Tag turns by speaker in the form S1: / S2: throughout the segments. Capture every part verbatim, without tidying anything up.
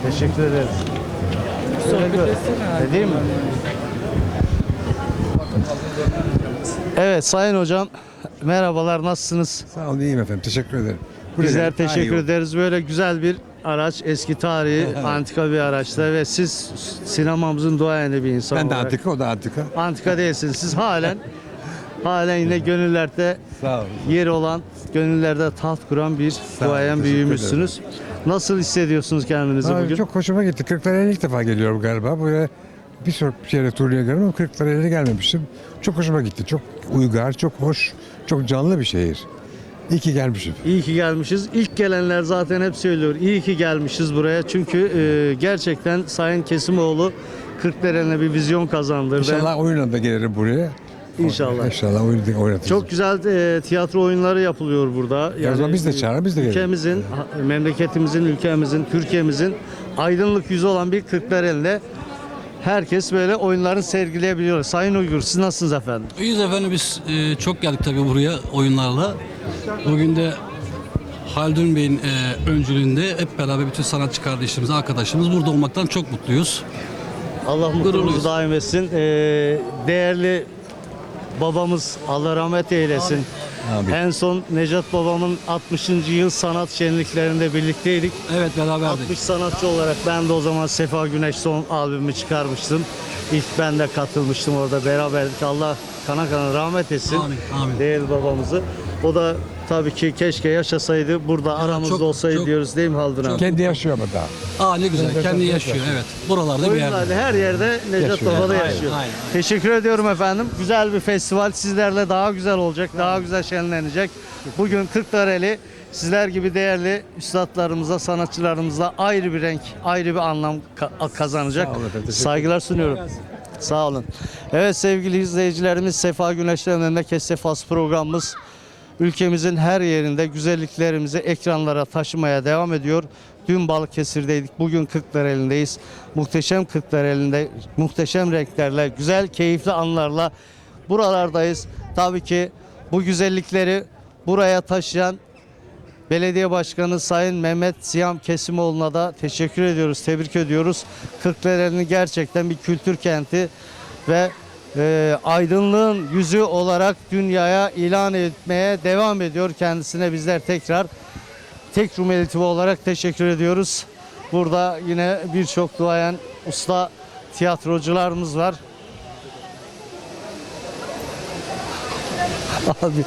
S1: Teşekkür ederiz.
S2: Sohbet etsene.
S1: Edeyim mi? Evet Sayın Hocam, merhabalar, nasılsınız?
S3: Sağ olun, iyiyim efendim. Teşekkür ederim.
S1: Bizler
S3: Buraya-
S1: teşekkür
S3: Daha iyi
S1: ederiz. Böyle güzel bir araç, eski tarihi, antika bir araçta ve siz sinemamızın duayeni bir insan
S3: Ben de
S1: olarak.
S3: antika, o da antika.
S1: Antika değilsiniz. Siz halen halen yine gönüllerde
S3: Sağ olun.
S1: yeri olan, gönüllerde taht kuran bir
S3: olun,
S1: duayen
S3: teşekkür
S1: büyüğümüzsünüz. Nasıl hissediyorsunuz kendinizi
S3: Aa,
S1: bugün?
S3: çok hoşuma gitti. Kırklareli'ne ilk defa geliyorum galiba. Buraya bir sürü yere turneye geldim ama Kırklareli'ne gelmemiştim. Çok hoşuma gitti. Çok uygar, çok hoş, çok canlı bir şehir. İyi ki gelmişim.
S1: İyi ki gelmişiz. İlk gelenler zaten hep söylüyor. İyi ki gelmişiz buraya. Çünkü e, gerçekten Sayın Kesimoğlu Kırklareli'ne bir vizyon kazandırdı.
S3: İnşallah oyunla da gelirim buraya.
S1: İnşallah.
S3: İnşallah oyunu da oynatırız.
S1: Çok güzel e, tiyatro oyunları yapılıyor burada.
S3: o zaman biz de çağırın, biz de gelelim.
S1: Ülkemizin, ha- memleketimizin, ülkemizin, Türkiye'mizin aydınlık yüzü olan bir Kırklareli'nde herkes böyle oyunlarını sergileyebiliyor. Sayın Uygur, siz nasılsınız efendim?
S4: İyiyiz efendim, biz e, çok geldik tabii buraya oyunlarla. Bugün de Haldun Bey'in e, öncülüğünde hep beraber bütün sanatçı kardeşlerimiz, arkadaşlarımız burada olmaktan çok mutluyuz.
S1: Allah mutluluğunuzu
S4: Gururluyuz.
S1: daim etsin. E, değerli babamız, Allah rahmet eylesin.
S3: Amin.
S1: En son Necat babamın altmışıncı yıl sanat şenliklerinde birlikteydik.
S4: Evet, beraberdik.
S1: altmış sanatçı olarak ben de o zaman Sefa Güneş son albümümü çıkarmıştım. İlk ben de katılmıştım orada, beraberdik. Allah kana kana rahmet etsin.
S4: Amin, amin.
S1: Değerli babamızı. O da tabii ki keşke yaşasaydı, burada aramızda
S4: çok-
S1: olsaydı
S4: çok-
S1: diyoruz değil mi Haldun abi?
S3: Kendi yaşıyor ama daha.
S4: Aa, ne güzel, kendi yaşıyor, evet. Buralarda bir yerde.
S1: Oyunlarda her yerde Necat
S3: Yaşıyor.
S1: Baba da
S4: Aynen,
S1: yaşıyor.
S4: aynen, aynen.
S1: Teşekkür ediyorum efendim. Güzel bir festival. Sizlerle daha güzel olacak, daha güzel şenlenecek. Bugün Kırklareli sizler gibi değerli üstadlarımıza, sanatçılarımıza ayrı bir renk, ayrı bir anlam ka- kazanacak.
S3: Sağ olun efendim, teşekkür
S1: Saygılar sunuyorum. Sağ olun. Evet sevgili izleyicilerimiz, Sefa Güneş'ten Memleket Sefası programımız ülkemizin her yerinde güzelliklerimizi ekranlara taşımaya devam ediyor. Dün Balıkesir'deydik, bugün Kırklareli'ndeyiz. Muhteşem Kırklareli'nde muhteşem renklerle, güzel, keyifli anlarla buralardayız. Tabii ki bu güzellikleri buraya taşıyan Belediye Başkanı Sayın Mehmet Siyam Kesimoğlu'na da teşekkür ediyoruz, tebrik ediyoruz. Kırklareli'nin gerçekten bir kültür kenti ve e, aydınlığın yüzü olarak dünyaya ilan etmeye devam ediyor. Kendisine bizler tekrar tek Rumeli T V olarak teşekkür ediyoruz. Burada yine birçok duayen usta tiyatrocularımız var. Abi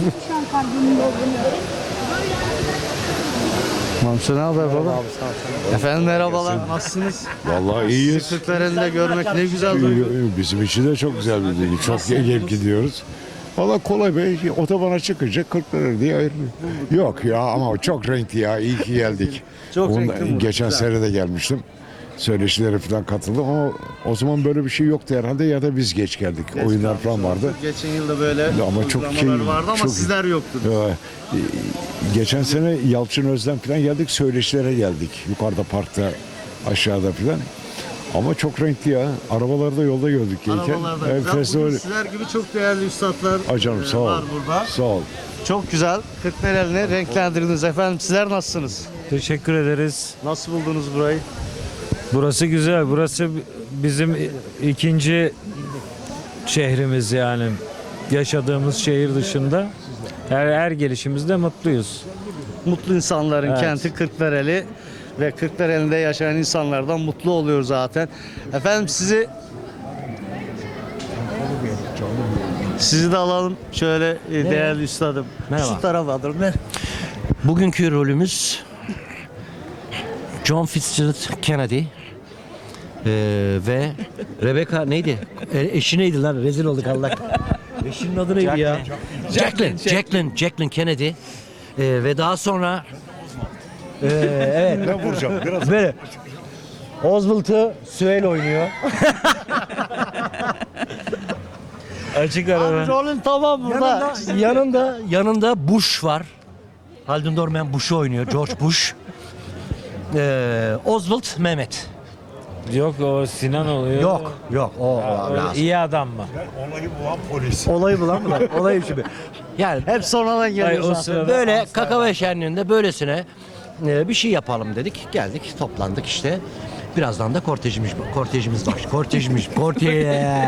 S1: Mamsu ne haber baba? Efendim merhabalar, nasılsınız?
S5: Vallahi iyiyiz.
S1: Sizi Kırklareli'nde görmek ne güzel duygu.
S5: Bizim için de çok güzel bir duygu. Çok gelip gidiyoruz. Vallahi kolay be. Otobana çıkınca Kırklareli diye ayrılıyor. Yok ya ama çok renkli ya. İyi ki geldik.
S1: Çok
S5: Ondan-
S1: renkli bu,
S5: Geçen
S1: güzel.
S5: sene de gelmiştim. Söyleşilere falan katıldım ama o zaman böyle bir şey yoktu herhalde ya da biz geç geldik. Oyunlar falan vardı.
S1: Geçen yılda böyle
S5: Ama çok
S1: uygulamalar
S5: keyif-
S1: vardı ama
S5: çok-
S1: sizler yoktunuz.
S5: Ee, Geçen sene Yalçın Özlem falan geldik. Söyleşilere geldik. Yukarıda parkta, aşağıda falan. Ama çok renkli ya. Arabalarda yolda gördük gelirken.
S1: Arabalarda
S5: Evet,
S1: güzel.
S5: festival.
S1: Bugün sizler gibi çok değerli üstadlar
S5: Ay canım,
S1: e,
S5: sağ ol.
S1: var burada.
S5: Sağ ol.
S1: Çok güzel. Kırklareli'ni renklendirdiniz efendim. Sizler nasılsınız?
S2: Teşekkür ederiz.
S1: Nasıl buldunuz burayı?
S2: Burası güzel. Burası bizim ikinci şehrimiz yani. Yaşadığımız şehir dışında. Her, her gelişimizde mutluyuz.
S1: Mutlu insanların
S2: Evet.
S1: kenti Kırklareli ve Kırklareli'nde yaşayan insanlardan mutlu oluyor zaten. Efendim sizi sizi de alalım şöyle e, değerli üstadım.
S6: Merhaba.
S1: Şu tarafa alırım. Ver.
S6: Bugünkü rolümüz John Fitzgerald Kennedy ee, ve Rebecca neydi? E, eşi neydi lan? Rezil olduk Allah. Eşinin adı neydi ya? Jacqueline. Jacqueline. Jacqueline Kennedy. Ee, ve daha sonra ee, evet.
S5: Ben vuracağım biraz.
S6: Böyle Oswald'ı Süheyl oynuyor.
S2: Açık
S1: Abi
S2: ara.
S1: rolün tamam burada.
S6: Yanında, yanında yanında Bush var. Haldun Dorman Bush'u oynuyor. George Bush. Ee, Oswald Mehmet.
S2: Yok o Sinan oluyor.
S6: Yok, yok. O, o
S2: O
S6: lazım.
S2: iyi adam mı?
S6: Olayı bulan mı lan? Olayı şimdi. Yani
S1: Hep sonradan
S2: Ay,
S1: geliyor
S2: o
S1: zaten.
S2: sırada
S6: böyle kakao şenliğinde böylesine e, bir şey yapalım dedik. Geldik, toplandık işte. Birazdan da kortejimiz kortejimiz baş. Kortejimiz. Kortej.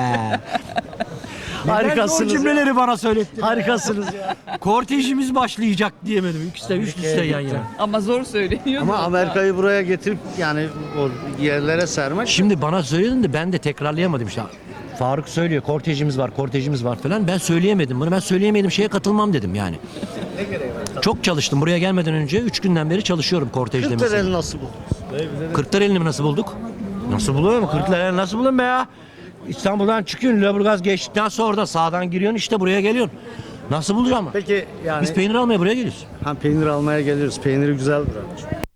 S1: Harikasınız
S6: O cümleleri bana söyletti.
S1: Harikasınız ya.
S6: Kortejimiz başlayacak diyemedim. İkisi de üst üste yan yana.
S7: Ama zor söyleniyor.
S1: Ama Amerika'yı buraya getirip yani o yerlere sermek.
S6: Şimdi bana söyledin de ben de tekrarlayamadım işte. Faruk söylüyor kortejimiz var, kortejimiz var falan. Ben söyleyemedim bunu. Ben söyleyemediğim şeye katılmam dedim yani. Çok çalıştım. Buraya gelmeden önce üç günden beri çalışıyorum kortejde mesela.
S1: Kırklareli nasıl buldunuz?
S6: Kırklareli'ni mi nasıl bulduk? Nasıl buluyor mu? Kırklareli nasıl bulun be ya? İstanbul'dan çıkıyorsun, Lüleburgaz geçtikten sonra oradan sağdan giriyorsun, işte buraya geliyorsun. Nasıl bulacağım?
S1: Peki yani
S6: Biz peynir almaya buraya geliyoruz.
S1: ha, peynir almaya geliyoruz. Peyniri güzel buranın.